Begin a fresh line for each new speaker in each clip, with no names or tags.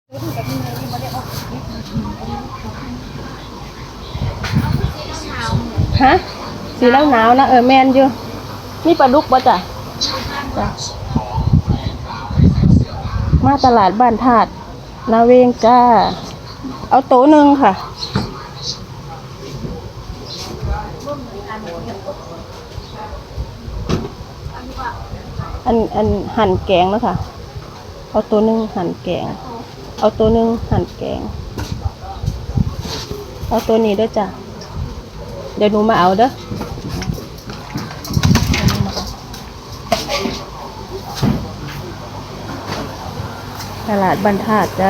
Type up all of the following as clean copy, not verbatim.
ฮะสีเหนาวนะแมนอยู่นี่ปลาดุกป่ะจ้ะมาตลาดบ้านธาตุนาเวงจ้าเอาโต๊ะหนึ่งค่ะอันหั่นแกงแล้วค่ะเอาตัวหนึ่งหั่นแกงเอาตัวหนึ่งหั่นแกงเอาตัวนี้ด้วยจ้ะเดี๋ยวหนูมาเอาเด้อตลาดบ้านธาตุจ้า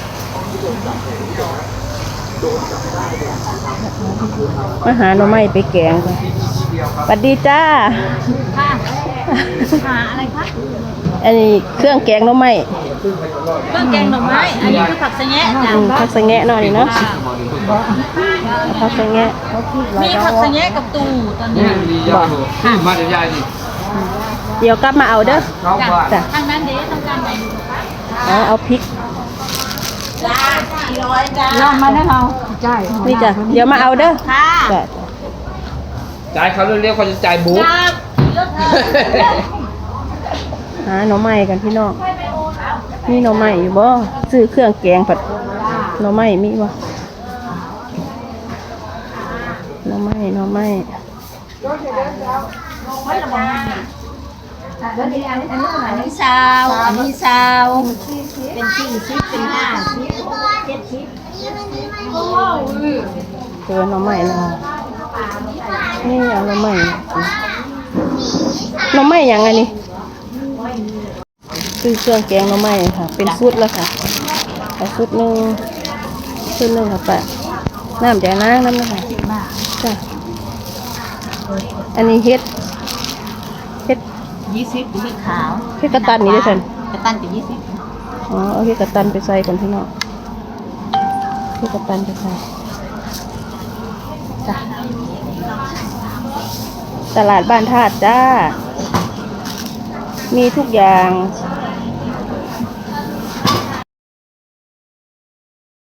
มาหาหน่อไม้ไปแกงกันสวัสดีจ้า
ค่ะหาอะไรคะ
อันนี้เครื่องแกงหน่อไม้
เครื่องแกงหน่อไม้อันนี้คือผักสะแงะจ้ะ
ผักสะแงะหน่อยเนาะผักสะแงะ
มีผักสะแงะกับตูตอนนี้
บอก
มาเดี๋ยวยายดิ
เดี๋ยวกลับมาเอาเด้อ
จ้ะทางนั้นเด้ทางการไหน
เอาพริก
จ้า400จ้าลองมาได้เราใช่
นี่จ้ะเดี๋ยวมาเอาเด้อ
ค่ะ
จ่ายเขาเรียกเขาจะจ่ายบุ๊ก
หาหน่อไม้กันพี่น้องมีหน่อไม้อยู่บ่ซื้อเครื่องแกงผัดหน่อไม้มีบ่หน่อไม้อัน
นี้ซาวเป็น40เป็น50 70
เจอหน่อไม้แล้วนี่เอาหน่อไม้อย่างไงนี่ซื้อเครื่องแกงหน่อไม้ค่ะเป็นชุดแล้วค่ะเอาชุดหนึ่งค่ะป้าน้ำแดงน้ำนะคะจ้ะอันนี้เฮ็ด
20เป็นขาว
เฮ็ดกระตันนี่ด้วยกัน
กระตันเป็น20
เอาเฮ็ดกระตันไปใส่ก่อนพี่น้องเฮ็ดกระตันไปใส่จ้ะตลาดบ้านธาตุจ้ามีทุกอย่าง